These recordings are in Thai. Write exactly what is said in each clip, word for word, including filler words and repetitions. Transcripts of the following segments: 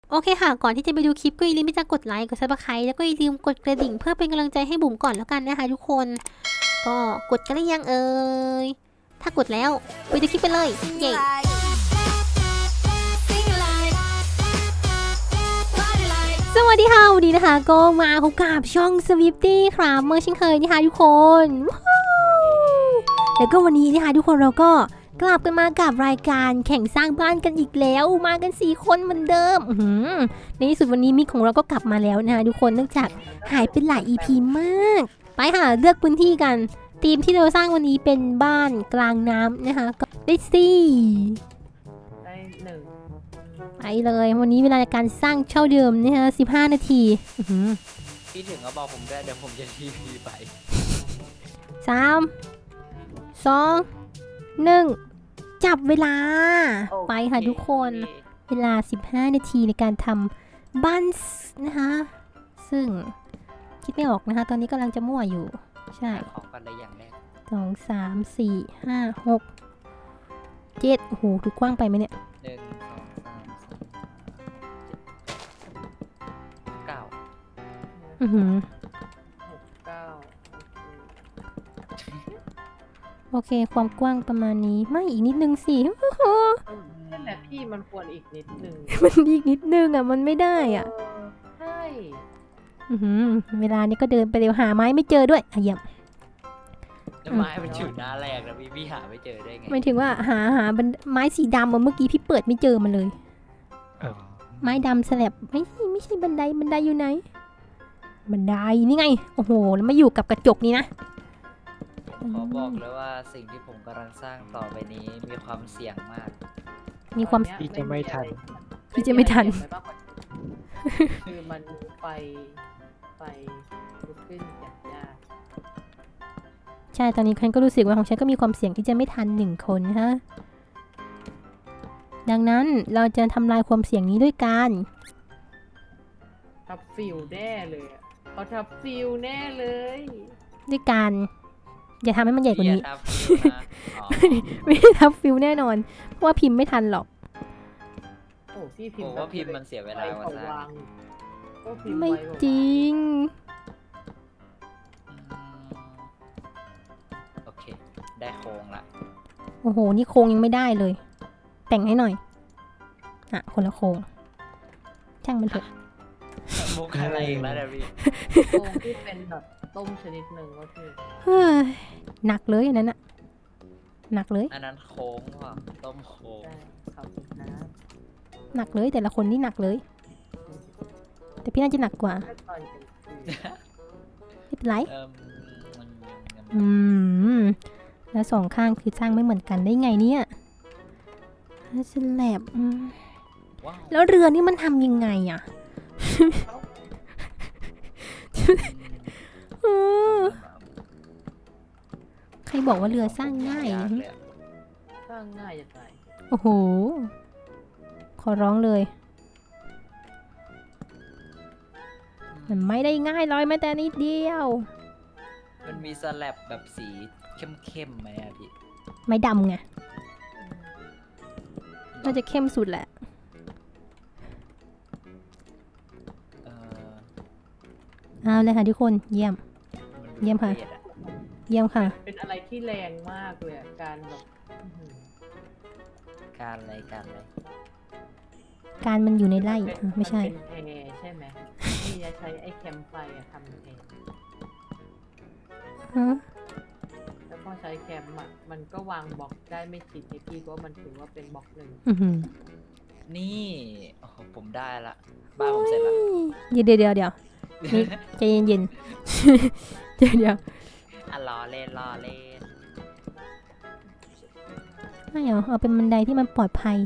โอเคค่ะก่อนที่จะไปดูคลิปก็อย่าลืมที่จะกดไลค์กดซับสไครต์แล้วก็อย่าลืมกดกระดิ่งเพื่อเป็นกำลังใจให้บุ๋มก่อนแล้วกันนะคะทุกคนก็กดกันหรือยังเอ่ยถ้ากดแล้วไปดูคลิปไปเลยเย้สวัสดีค่ะวันนี้นะคะก็มาพบกับช่อง Swifty ครับเมื่อเช่นเคยนะคะทุกคนแล้วก็วันนี้นะคะทุกคนเราก็กลับกันมากับรายการแข่งสร้างบ้านกันอีกแล้วมากันสี่คนเหมือนเดิมในที่สุดวันนี้มิกของเราก็กลับมาแล้วนะคะทุกคนเนื่องจากหายไปหลาย อี พี มากไปค่ะเลือกพื้นที่กันทีมที่เราสร้างวันนี้เป็นบ้านกลางน้ำนะคะก็ได้สี่ได้หนึ่งไปเลยวันนี้เวลาการสร้างเช่าเดิมนะคะสิบห้านาทีพี่ถึงก็บอกผมด้วยเดี๋ยวผมจะทีพีไปสามสองหนึ่งจับเวลาไปค่ะทุกคนเวลาสิบห้านาทีในการทำบ้านนะคะซึ่งคิดไม่ออกนะคะตอนนี้กำลังจะมั่วอยู่ใช่ของกันได้อย่างแรกสองสามสี่ห้าหกเจ็ดโอ้โหดูกว้างไปไหมเนี่ยหนึ่งสองสามสี่เก้าอือหือหกเก้าโอเคความกว้างประมาณนี้ไม่อีกนิดนึงสินั่นแหละพี่มันควรอีกนิดนึงมันอีกนิดนึงอ่ะมันไม่ได้อ่ะใช่อือหือเวลานี้ก็เดินไปเร็วหาไม้ไม่เจอด้วยอ่ะเยี่ยมไม้มันอยู่หน้าแรกนะพี่พี่หาไม่เจอได้ไงไม่ถึงว่าหาหาไม้สีดำเมื่อกี้พี่เปิดไม่เจอมันเลยไม้ดำสลับไม่ใช่ไม่ใช่บันไดบันไดอยู่ไหนบันไดนี่ไงโอ้โหแล้วมาอยู่กับกระจกนี่นะขอบอกเลยว่าสิ่งที่ผมกำลังสร้างต่อไปนี้มีความเสี่ยงมากมีความที่จะไม่ทันที่จะไม่ทันคือมันไฟไฟลุกขึ้นอย่างยากใช่ตอนนี้ฉันก็รู้สึกว่าของฉันก็มีความเสี่ยงที่จะไม่ทันหนึ่งคนฮะดังนั้นเราจะทำลายความเสี่ยงนี้ด้วยการทับฟิวแน่เลยเขาทับฟิวแน่เลยด้วยการอย่าทำให้มันใหญ่กว่านี้ไม่ได้ทับฟิวแน่นอนเพราะว่าพิมพ์ไม่ทันหรอกโอ้พี่พิมพ์ว่าพิมพ์มันเสียเวลาว่าสร้างไม่จริงโอเคได้โครงละโอ้โหนี่โครงยังไม่ได้เลยแต่งให้หน่อยอ่ะคนละโครงช่างมันเถอะมุกอะไรอีกแล้วเดี๋ยวพี่โครงที่เป็นแบบต้มชนิดหนึ่งก็คือเฮ้ยหนักเลยอันนั้นอะหนักเลยอันนั้นโค้งว่ะต้มโค้งหนักเลยแต่ละคนนี่หนักเลยแต่พี่น่าจะหนักกว่าไม่เป็นไรอืมแล้วสองข้างคือสร้างไม่เหมือนกันได้ไงเนี่ยสแลบแล้วเรือนี่มันทำยังไงอ่ะใครบอกว่าเรือสร้างง่ายสร้างง่ายจะตายโอ้โหขอร้องเลยมันไม่ได้ง่ายเลยแม้แต่นิดเดียวมันมีสแลบแบบสีเข้มๆไหมอะพี่ไม่ดำไงน่าจะเข้มสุดแหละเอาเลยค่ะทุกคนเยี่ยมเยี่ยมค่ะเยี่ยมค่ะเป็นอะไรที่แรงมากเลยการแบบการอะไรการอะไรการมันอยู่ในไร่ไม่ใช่เป็นแพใช่ไหมที่จะใช้ไอ้แคมไฟทำแพแล้วพอใช้แคมอ่ะมันก็วางบล็อกได้ไม่ชิดไอพี่ก็มันถือว่าเป็นบล็อกหนึ่งนี่โอ้โหผมได้ละบ้านผมเสร็จละเดี๋ยวเดี๋ยวเดี๋ยวเดี๋ยวนี่ใจเย็นเย็นเดี๋ยวเดี๋ยวอ่ะรอเล่นรอเล่นไม่เหรอเอาเป็นบันไดที่มันปลอดภัย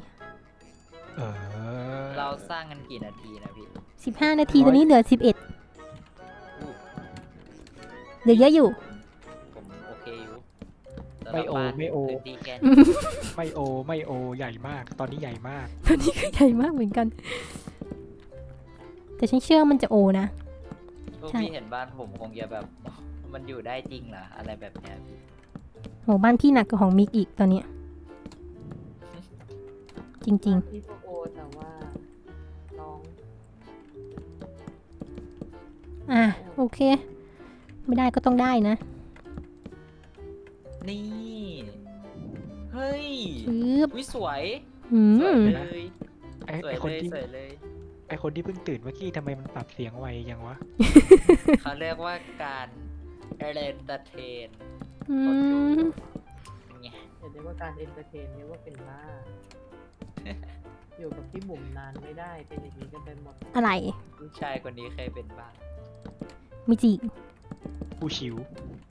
เราสร้างกันกี่นาทีนะพี่สิบห้านาทีตอนนี้เหลือสิบเอ็ดเหลือเยอะอยู่ผมโอเคอยู่ไม่โอไม่โอไม่โอไม่โอใหญ่มากตอนนี้ใหญ่มากตอนนี้ก็ใหญ่มากเหมือนกันแต่ฉันเชื่อมันจะโอนะพี่เห็นบ้านผมคงจะแบบมันอยู่ได้จริงเหรออะไรแบบเนี้ยโหบ้านพี่หนักกว่าของมิกอีกตอนนี้จริงๆพี่โอแต่ว่าน้องอ่ะโอเค ไม่ได้ก็ต้องได้นะนี่ เฮ้ยชืบวิสวยอืสวยมเลยไอ้สวไอย คนเลยที่สวยเลยไอคนที่เพิ่งตื่นเมื่อกี้ทำไมมันปรับเสียงไวยังวะเขาเรียกว่าการเอเ t อร์เทนอืมไงอย่าเรียกว่าการเอนเตอร์เทนเรียกว่าเป็นบ้า อยู่กับพี่บุ๋มนานไม่ได้เป็นอย่างนี้กันไปหมดอะไรผู้ชายคนนี้เคยเป็นบ้างมิจิผู้ชิว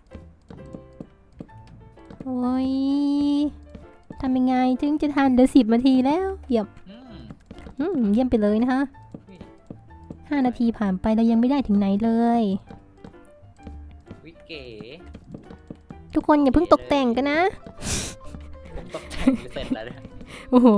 โอ้ยทำยังไงถึงจะทันเดี๋ยวสิบนาทีแล้วเยี่ยมอืมอืมเยี่ยมไปเลยนะคะอุ๊ยห้านาทีผ่านไปเรายังไม่ได้ถึงไหนเลยวิเก๋ทุกคนอย่าเพิ่งตกแต่งกันนะผมตกแต่งเสร็จแล้วเนี่ยโอ้โห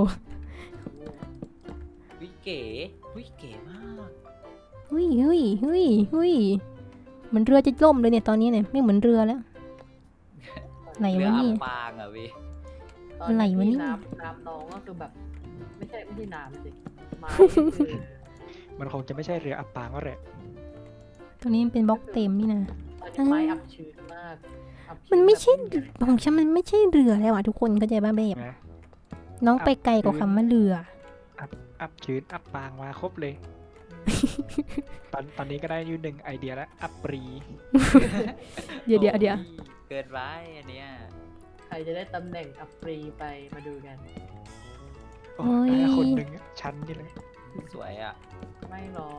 วิเก๋วิเก๋มากเฮ้ยเฮ้ยเฮ้ยเฮ้ยเหมือนเรือจะล่มเลยเนี่ยตอนนี้เนี่ยไม่เหมือนเรือแล้ว ไหนเรือวะอัเนี่บยปางอ่ะวิตอนอะไรวะที่เนี่ยน้ำน้ำน้องก็คือแบบ ไม่ใช่ไม่ใช่น้ำสิไม้นี่คือมันคงจะไม่ใช่เรืออับปางก็แหละตัวนี้มันเป็นบล็อกเต็มนี่นะตอนนี้ไม้อับชื้นมากอับชื้มันไม่ใช่แบบของฉันมันไม่ใช่เรือแล้วอ่ะทุกคนเข้าใจบ้างแบบนะน้องไปไกลกว่าคำว่าเรืออับชื้นอับปางมาครบเลย ตอนตอนนี้ก็ได้อยูหนึ่งไอเดียแล้วอับปรีเดี๋ยวเดี๋ยวเดี๋ยวโอ้เกินไปอันเนี้ยใครจะได้ตำแหน่งอับปรีไปมาดูกันโอ้ยได้คนหนึ่งชั้นนี่เลยสวยอ่ะไม่หรอก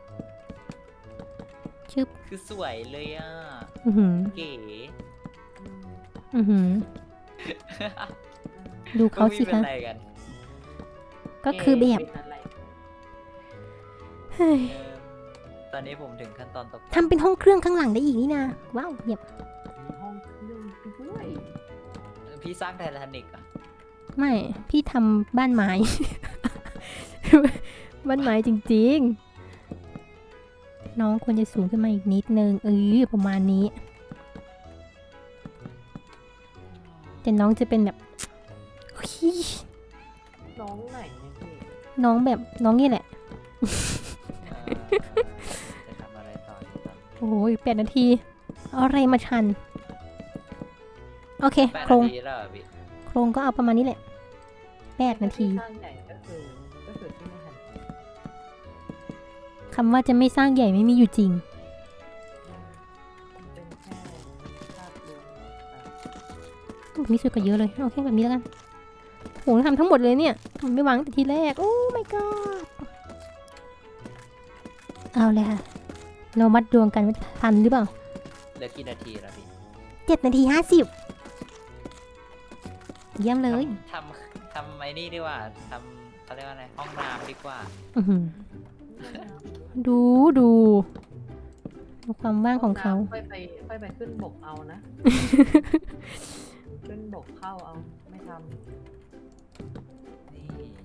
ชึบคือสวยเลยอ่ะอือหือเก๋อืมอือหือดูเขาสิพวกพี่เป็นคะอะไรกันก็คือแบบเป็นอะไรเฮ้ยเอิ่มตอนนี้ผมถึงขั้นตอนตกทำเป็นห้องเครื่องข้างหลังได้อีกนี่นะว้าวเยี่ยมมีห้องเครื่องด้วยพี่สร้างไททานิกอ่ะไม่พี่ทำบ้านไม้ บ้านไม้จริงๆ น้องควรจะสูงขึ้นมาอีกนิดนึงเออประมาณนี้แต่น้องจะเป็นแบบ เฮ้ยน้องไหนเนี่ยพี่น้องแบบน้องนี่แหละเอ่อจะทำอะไรต่อดีครับโอ้ยแปดนาทีเอาอะไรมาชัน โอเคแปดโครนาง ทีแล้วเหรอพี่โครงก็เอาประมาณนี้แหละแปดนาทีสร้างใหญ่ก็คือก็คือที่ไม่หันไปคำว่าจะไม่สร้างใหญ่ไม่มีอยู่จริงมันเป็นแค่ภาพรวมแบบมีสวยกว่าเยอะเลยเอาแค่แบบนี้แล้วกันโหทำทั้งหมดเลยเนี่ยทำไม่วางแต่ทีแรก โอ้ my god เอาเลยค่ะ เรามัดดวงกันว่าทันหรือเปล่าเหลือกี่นาทีแล้วพี่เจ็ดนาทีห้าสิบเยี่ยมเลยทำทำทำไอ้นี่ดีกว่าทำเขาเรียกว่าอะไรห้องน้ำดีกว่าอื้อหือดูดูดูความว่างของเขาค่อยไปค่อยไปขึ้นบกเอานะ ขึ้นบกเข้าเอาไม่ทนี่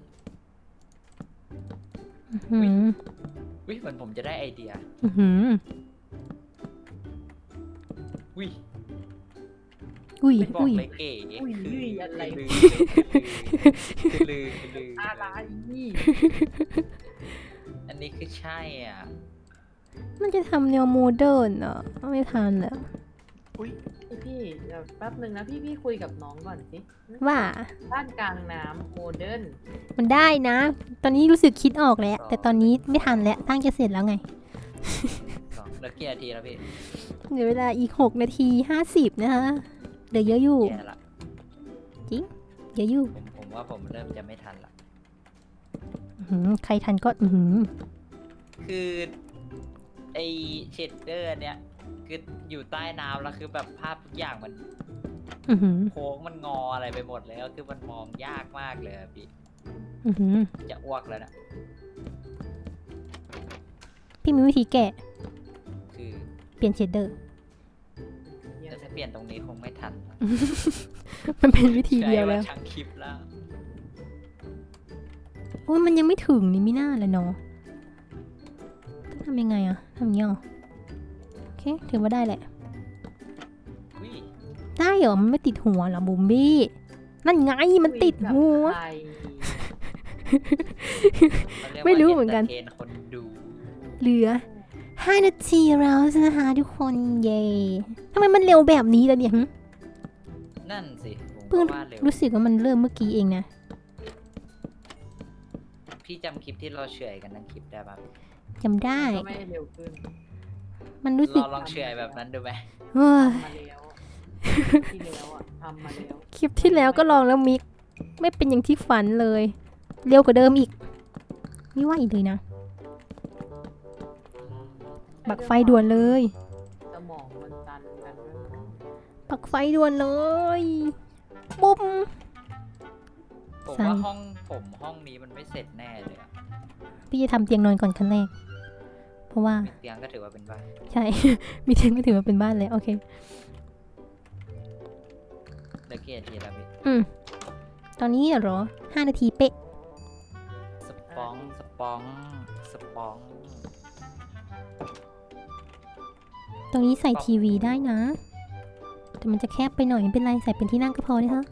อื้อหือวิเหมือนผมจะได้ไอเดียอื้อหือวิอุ้ยไม่บอกอุ้ยเลยเก๋ำอุ้ยคืออุ้ยอะไรลือคือลือคือลืออะไรนี่อันนี้คือใช่อ่ะมันจะทำแนวโมเดิร์นอ่ะไม่ทันแล้วอุ้ยพี่พี่เดี๋ยวแป๊บหนึ่งนะพี่พี่คุยกับน้องก่อนสิว่าบ้านกลางน้ำโมเดิร์นมันได้นะ ตอนนี้รู้สึกคิดออกแล้ว แต่ตอนนี้ไม่ทันแล้วตั้งจะเสร็จแล้วไงสองเหลือกี่นาทีแล้วพี่เหลือเวลาอีกหกนาทีห้าสิบนะคะเหลือเยอะอยู่แย่ละเยอะอยู่ผมผมว่าผมเริ่มจะไม่ทันละอื้อหือใครทันก็อือหือคือไอเชดเดอร์เนี่ยคืออยู่ใต้น้ำแล้วคือแบบภาพทุกอย่างมันอือหือโค้งมันงออะไรไปหมดแล้วคือมันมองยากมากเลยอะพี่อือหือจะอ้วกแล้วนะพี่มีวิธีแก้คือเปลี่ยนเชดเดอร์แต่ถ้าเปลี่ยนตรงนี้คงไม่ทันนะมันเป็นวิธีเดียวแล้วใช้าทั้งคลิปแล้วโอ้ยมันยังไม่ถึงนี่ไม่น่าเลยเนาะทำยังไงอะทำอย่างเงี้ยเหรอโอเคถือว่าได้แหละอุ้ยได้เหรอมันไม่ติดหัวเหรอบุมบี้นั่นไงมันติดหัวคุยกับใครขารียกว่าไม่รู้เหมือนกันเทรนคนดูเหลือห้านาทีแล้วนะคะทุกคนเย่ทำไมมันเร็วแบบนี้ล่ะเนี่ยหึนั่นสิผมเพิ่งก็ว่าเร็วรู้สึกว่ามันเริ่มเมื่อกี้เองนะพี่จำคลิปที่เราเฉื่อยกันทั้งคลิปได้ปะจำได้ก็ไม่เร็วขึ้นมันรู้สึกเราลองเฉื่อยแบบนั้นดูไหมเฮ้ยทำมาแล้วที่แล้วอ่ะทำมาแล้วคลิปที่แล้วก็ลองแล้วมิก ไม่เป็นอย่างที่ฝันเลย เร็วกว่าเดิมอีก ไม่ไหวเลยนะ ปักไฟด่วนเลยสมองมันตันกันด้วยมั้งปักไฟด่วนเลยปุ๊บผมใช่ว่าห้องผมห้องนี้มันไม่เสร็จแน่เลยอะพี่จะทำเตียงนอนก่อนขั้นแรก เพราะว่ามีเตียงก็ถือว่าเป็นบ้านใช่ มีเตียงก็ถือว่าเป็นบ้านแล้วโอเคเด็กเกียร์ทีละพี่อืม ตอนนี้เหรอห้านาทีเป๊ะสปองสปองสปองตรงนี้ใส่ทีวีได้นะ แต่มันจะแคบไปหน่อยไม่เป็นไรใส่เป็นที่นั่งก็พอนะคะ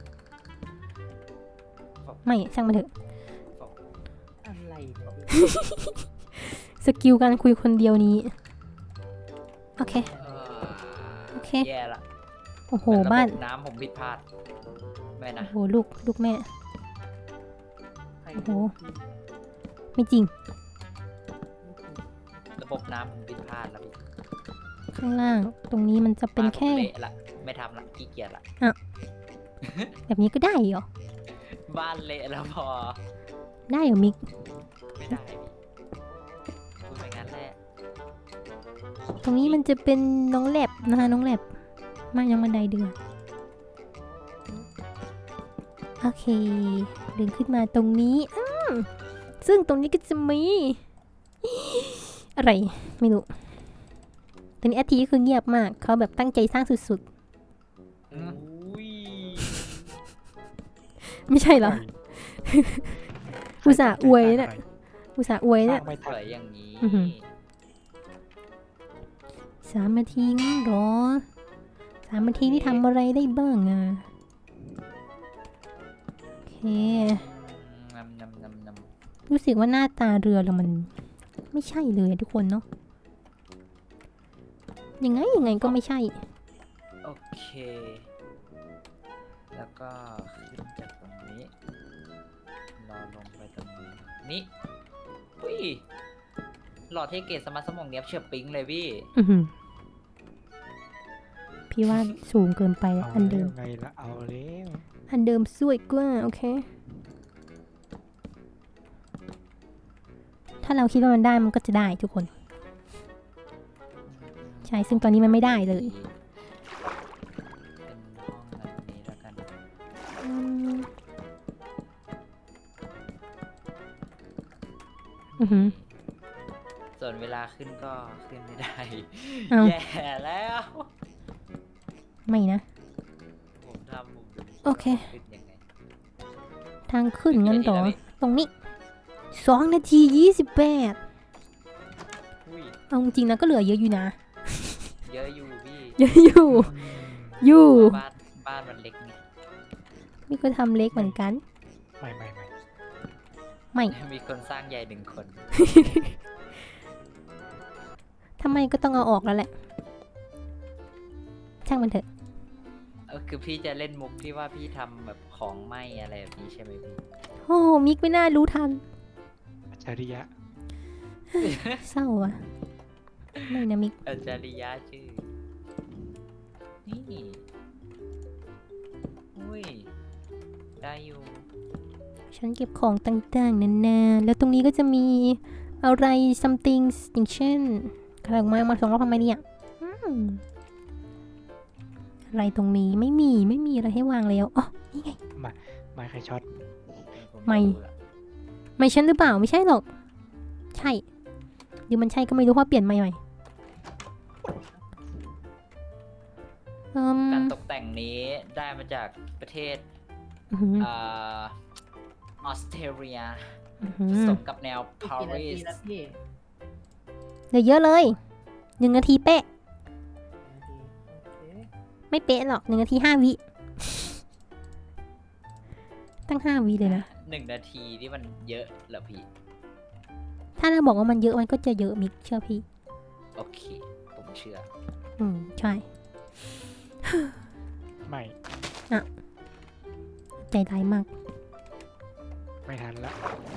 ไม่ช่างมันเถอะอะไรเนี่ยสกิลการคุยคนเดียวนี้ โอเคเออโอเคแย่ละโอ้โหระบบบ้านน้ำผมผิดพลาดไม่นะโอ้โหลูกลูกแม่ใครโอ้โห ไม่จริงระบบน้ำผมผิดพลาดแล้วพี่ข้างล่าง ตรงนี้มันจะเป็นแค่บ้าผมเละละไม่ทำละขี้เกียจละแบบนี้ก็ได้เหรอบ้านเละแล้วพอได้เหรอมิกไม่ได้พี่พูดไปงั้นแหละตรงนี้มันจะเป็นน้องแลบนะคะน้องแลบมายังบันไดเดือโอเคเดินขึ้นมาตรงนี้อืมซึ่งตรงนี้ก็จะมี อะไร ไม่รู้ตอนนี้อาทีก็คือเงียบมาก เขาแบบตั้งใจสร้างสุดอุ้ยๆ ไม่ใช่เหรอ อุตส่าห์อวยเนี่ย อุตส่าห์อวยเนี่ยไม่สทันวยอย่างนี้อื้อหือ สามนาทีงั้นเหรอสามนาทีนี่ทำอะไรได้บ้างอ่ะ โอเคนำนำนำนำรู้สึกว่าหน้าตาเรือเรามัน ไม่ใช่เลยอะทุกคนเนาะยังไงยังไงก็ไม่ใช่โอเค แล้วก็ขึ้นจากตรงนี้รอลงไปตรงนี้นี่อุ้ยหลอดเทเกตสมาร์ทสมองเนี้ยบเฉียบปิ๊งเลยพี่อือหือพี่ว่าสูงเกินไปแล้วเอาอันเดิแล้มวไงละเอาแล้วอันเดิมสวยกว่าโอเค ถ้าเราคิดว่ามันได้มันก็จะได้ทุกคน ใช่ซึ่งตอนนี้มันไม่ได้เลยเป็นห้องแบบนี้แล้วกันอืมอือหือส่วนเวลาขึ้นก็ขึ้นไม่ได้เอาแย่แล้วไม่นะผมทำผมดูโอเคขึ้นยังไงทางขึ้นงั้นต่อเดี๋ยวตรงนี้สองนาทียี่สิบแปดอุ้ยเอาจริงๆนะก็เหลือเยอะอยู่นะเยอะอยู่พี่เยอะอยู่ อยู่บ้านบ้านมันเล็กไงนี่ก็ทำเล็กเหมือนกันไม่ไม่ไม่ไม่มีคนสร้างใหญ่หนึ่งคนทำไมก็ต้องเอาออกแล้วแหละ ช่างมันเถอะเออคือพี่จะเล่นมุกที่ว่าพี่ทำแบบของไหมอะไรแบบนี้ใช่ไหมพี่โอ้มิกไม่น่ารู้ทันอัจฉริยะเศร้าอ่ะ ไม่นะมิกอาจาริยะชื่อ นี่อุ้ย ได้อยู่ฉันเก็บของต่างๆนานาแล้วตรงนี้ก็จะมีอะไร something อย่างเช่นกระดาษไม้มาสองรอบทำไมเนี่ยอืมอะไรตรงนี้ไม่มีไม่มีอะไรให้วางแล้วอ๋อนี่ไงไม่ใครช็อตไม่ ไม่ฉันหรือเปล่าไม่ใช่หรอก ใช่หรือมันใช่ก็ไม่รู้เพราะเปลี่ยนใหม่ใหม่เอิ่มการตกแต่งนี้ได้มาจากประเทศอื้อหืออ่าออสเตรเลียอื้อหืผอสมกับแนวอีกปากี่นารีทีสแล้วพี่เหลือเยอะเลยหนึ่งนาทีเป๊ะนาทีโอเคไม่เป๊ะหรอกหนึ่งนาทีห้าวิตั้งห้าวิเลยนะหนึ่งนาทีนี่มันเยอะเหรอพี่ถ้าเราบอกว่ามันเยอะมันก็จะเยอะมิกเชื่อพี่โอเค ผมเชื่ออืมใช่ไม่ใจร้ายมากไม่ทันละ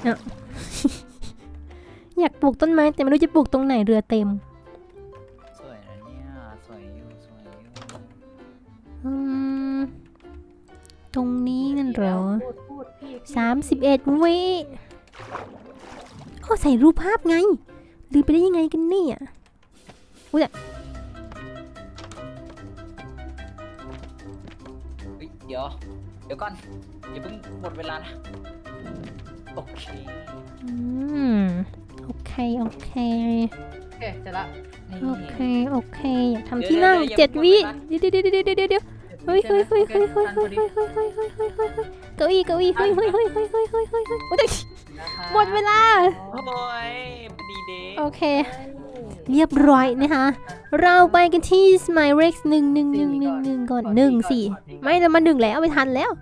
อยากปลูกต้นไม้แต่ไม่รู้จะปลูกตรงไหนเรือเต็มสวยนะเนี่ยสวยอยู่สวยอยู่อืมตรงนี้นั่นเหรอพูดพูดพี่พี่สามสิบเอ็ดวิโอ้ใส่รูปภาพไงลืมไปได้ยังไงกันเนี่ยเฮ้ยเดี๋ยว เดี๋ยวก่อนอย่าเพิ่งหมดเวลานะ โอเคอืมโอเคโอเคโอเคเสร็จละนี่โอเคโอเคอยากทำที่นั่งเจ็ดวิเดี๋ยวเดี๋ยวเดี๋ยวเดี๋ยวเดี๋ยวเฮ้ยเฮ้ยเฮ้ยเฮ้ยเฮ้ยเฮ้ยเฮ้ยเฮ้ยเฮ้ยเฮ้ยเฮ้ยเฮ้ยเก้าอี้เก้าอี้เฮ้ยเฮ้ยเฮ้ยเฮ้ยเฮ้ยเฮ้ยเฮ้ยเฮ้ยโอ้ยหมดเวลาโอ้ยพอดีเด้โอเค เรียบร้อยนะคะ เราไปกันที่ Smile Rex หนึ่งหนึ่งหนึ่งหนึ่งหนึ่งก่อนหนึ่งสี่ไม่เรามาหนึ่งแล้วไม่ทันแล้ว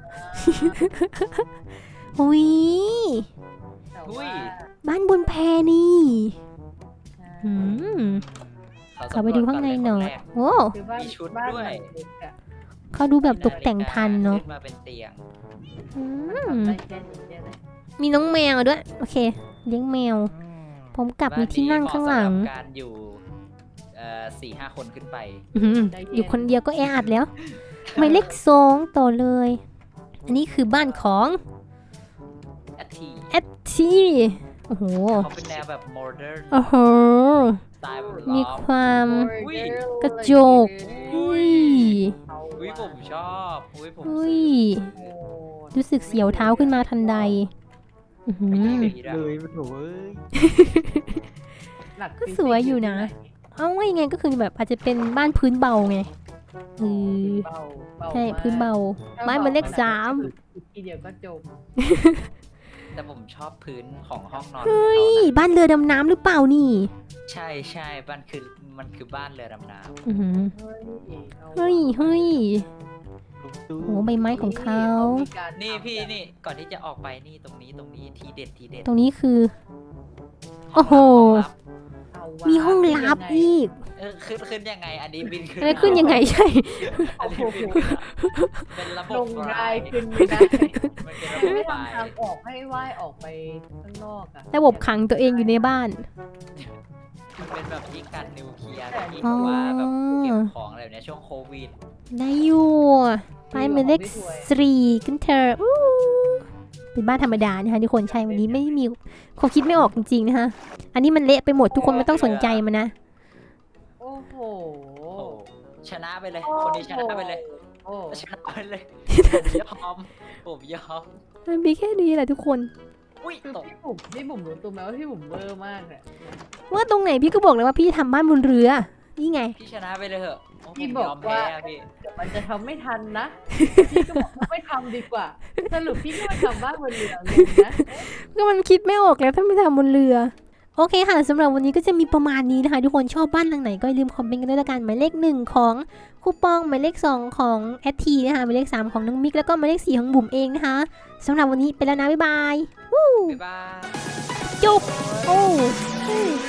อุ้ยอุ้ยบ้านบนแพนี่อืมขอเข้าไปดูข้างในหน่อยโอ้คือบ้านมีชุดบ้านด้วยมันเล็กอะเขาดูแบบตกแต่งทันเนาะขึ้นมาเป็นเตียงอืมทำได้แค่นี้เนี่ยนะมีน้องแมวด้วย โอเค เลี้ยงแมวอืมผมกลับมีที่นั่งข้างหลังบ้นนี้เหมาะสำรับการอยู่เอ่อสี่ห้าคนขึ้นไปอื้อหืออยู่คนเดียวก็แออัดแล้วหมายเลขสองต่อเลย อันนี้คือบ้านของแอททีแอดทีโอ้โหเขาเป็นแนวแบบโมเดิร์นโอ้โหสไตล์แบบมีล็อฟความอุ้ยกระจก อุ้ยอุ้ยผมชอบอุ้ยผมอุ้ยซื้อรู้สึกเสียวเท้าขึ้นมาทันใดอื้อหือไม่ติดเลยมันโถ่เอ้ยหลัก็สวยอยู่นะ เอาว่ายังไงก็คือแบบอาจจะเป็นบ้านพื้นเบาไงเออเบาเบาใช่มากพื้นเบาถ้บ้านมันเลขสามอีกทีเดียวก็จบแต่ผมชอบพื้นของห้องนอนเฮ้ยเขานะบ้านเรือดำน้ำหรือเปล่านี่ใช่ใช่บ้านคือมันคือบ้านเรือดำน้อื้อหือเฮ้ยอาเฮ้ยเฮ้ยลุงตู้โอ้ใบไม้ของเขามีการำนี่พี่นี่ก่อนที่จะออกไปนี่ตรงนี้ตรงนี้ทีเด็ดทีเด็ดตรงนี้คือ โอ้โหห้องลับเอาวะมีห้องลับอีกเออขึ้นขึ้นยังไง อันนี้บินขึ้นแล้วขึ้นยังไงใช่อันนี้บินขึ้นเป็นระบบลงไฟได้ขึ้นไม่ได้มันเป็นระบบไม่ไฟทำทางออกให้ว่ายออกไปข้างนอกอะระบบขังตัวเองอยู่ในบ้านมันเป็นแบบที่กันนิวเคลียร์ที่อ๋อแบบว่าแบบเก็บของอะไรแบบเนี้ยช่วงโควิดได้อยู่ไปหมายเลขสี่กันเถอะอู้เป็นบ้านธรรมดานะคะทุกคนใช่วันนี้ไม่มีความคิดไม่ออกจริงๆนะคะ อันนี้มันเละไปหมดทุกคนไม่ต้องสนใจมันนะโอ้โหโอ้โหชนะไปเลย คนนี้ชนะไปเลยโอ้ชนะไปเลยผมยอมผมยอมมันมีแค่นี้แหละทุกคนอุ้ยคือตกพี่บุ๋มพี่บุ๋มรู้ตัวไหมว่าพี่บุ๋มเวอร์มากเลยว่าตรงไหนพี่ก็บอกเลยว่าพี่ทำบ้านบนเรือ นี่ไงพี่ชนะไปเลยเหอะโอ้ผมพี่บอกยอมว่าแพ้อะพี่เดี๋ยวมันจะทำไม่ทันนะ พี่ก็บอกว่าไม่ทำดีกว่า สรุปพี่ก็มาทำบ้านบนเรือเลยนะก็มันคิดไม่ออกแล้วถ้าไม่ทำบนเรือ โอเคค่ะสำหรับวันนี้ก็จะมีประมาณนี้นะคะ ทุกคนชอบบ้านหลังไหนก็อย่าลืมคอมเมนต์กันด้วยละกันหมายเลขหนึ่งของคูปองหมายเลขสองของแอททีนะคะหมายเลขสามของน้องมิกแล้วก็หมายเลขสี่ของบุ๋มเองนะคะสำหรับวันนี้ไปแล้วนะบ๊ายบายบ๊ายบายจบโอ้